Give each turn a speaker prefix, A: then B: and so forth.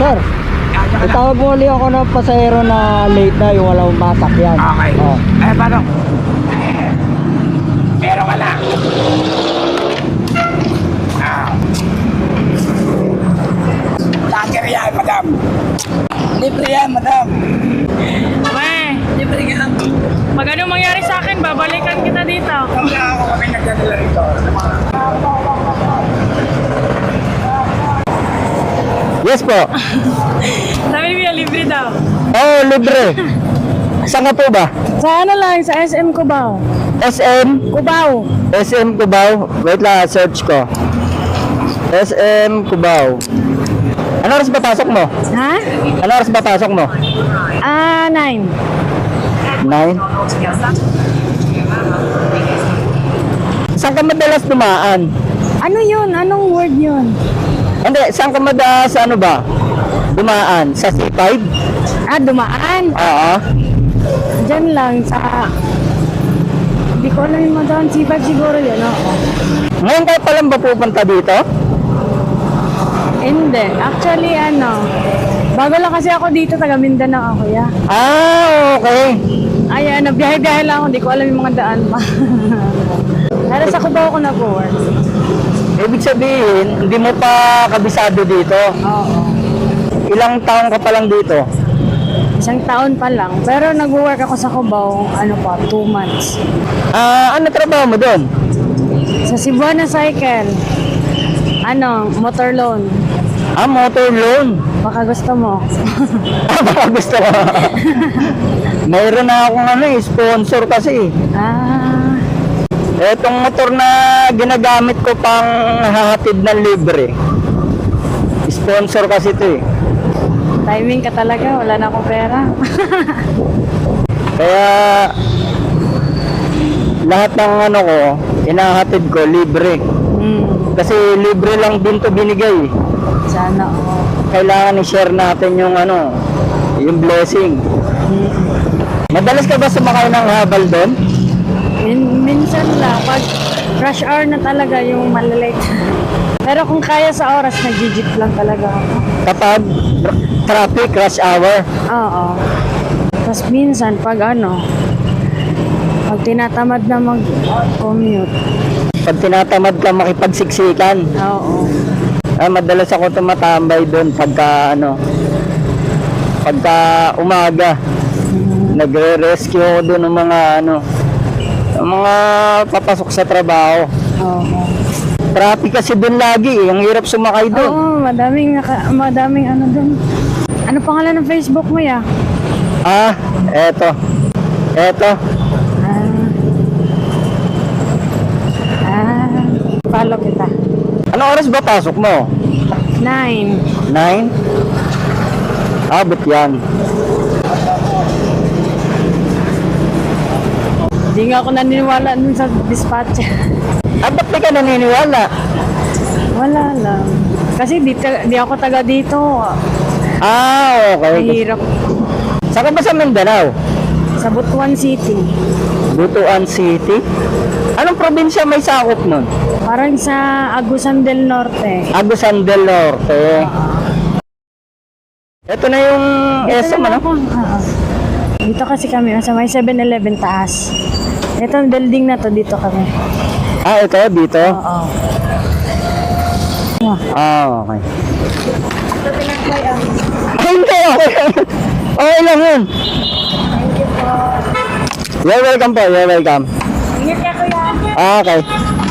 A: Sir, itawag mo ulit ako ng pasahero na late na yung walang masakyan.
B: Okay.
A: Oh.
B: Paano? Meron ka na. Lager yan, madam. Libre yan, madam.
C: Weh,
B: Libre yan.
C: pag anong mangyari sa akin, babalikan kita dito.
B: Kaya ako kami nagdadala rito.
A: Yes po.
C: Sabi niya, libre daw.
A: Oh, libre. Saan ka po ba?
C: Sa ano lang, sa SM Cubao.
A: SM?
C: Cubao.
A: SM Cubao. Wait lang, search ko. SM Cubao. Ano oras ba pasok mo?
C: Ha?
A: Ano oras ba pasok mo?
C: 9.
A: 9? Saan ka madalas dumaan?
C: Ano yun? Anong word yun?
A: Hindi, saan ka madalas ano ba? Dumaan? Sa C5?
C: Dumaan.
A: Oo.
C: Diyan lang sa... Hindi ko alam yung madaan. C5 siguro yun, oo.
A: Ngayon kayo palang ba pupunta dito?
C: Hindi. Actually, bago lang kasi ako dito, taga Mindanao ako, ya.
A: Ah, okay.
C: Ay, biyahe-biyahe lang ako. Hindi ko alam yung mga daan pa. Pero sa Cubao ako nag-work.
A: Ibig sabihin, hindi mo pa kabisado dito.
C: Oo.
A: Ilang taon ka pa lang dito?
C: Isang taon pa lang. Pero nag-work ako sa Cubao, 2 months.
A: Ano trabaho mo doon?
C: Sa Cebuana Cycle. Motor loan.
A: Motor loan.
C: Baka gusto mo.
A: Baka gusto ko. Mayroon na akong sponsor kasi. Etong motor na ginagamit ko pang hahatid ng libre. Sponsor kasi ito eh.
C: Timing ka talaga, wala na akong pera.
A: Kaya lahat ng ko, inahatid ko libre. Kasi libre lang din to binigay.
C: Sana, oo.
A: Kailangan i-share natin yung yung blessing. Madalas ka ba sumakay ng habal doon?
C: Minsan lang, pag rush hour na talaga yung malalate. Pero kung kaya sa oras, nag-jeep lang talaga ako.
A: Kapag traffic rush hour?
C: Oo. Tapos minsan, pag tinatamad na mag-commute.
A: Pag tinatamad ka makipagsiksikan?
C: Oo.
A: Madalas ako tumatambay doon pagka umaga. Nagre-rescue ako doon ng mga papasok sa trabaho.
C: Oo.
A: Traffic kasi doon lagi ang hirap sumakay doon.
C: Oo, madaming doon. Ano pangalan ng Facebook mo, ya?
A: Eto.
C: Follow kita.
A: Anong oras ba pasok mo?
C: 9.
A: 9? Abot yan.
C: Hindi nga ako naniniwala dun sa dispatcher.
A: Ba't di ka naniniwala?
C: Wala lang. Kasi di ako taga dito.
A: Okay.
C: Mahirap.
A: Saan ka ba sa Mindanao?
C: Sa Butuan City.
A: Butuan City? Anong probinsya may sakop nun?
C: Parang sa Agusan del Norte.
A: Agusan del Norte. Ito na yung SM, ano?
C: Dito kasi kami, sa may 7-Eleven taas. Ito, building na to, dito kami.
A: Ito, dito?
C: Oo.
A: Okay.
C: Ito pinagkay
A: Hindi, okay. Okay lang yun.
C: Thank you po.
A: You're welcome po, you're welcome.
C: Ingat ka, kuya.
A: Okay.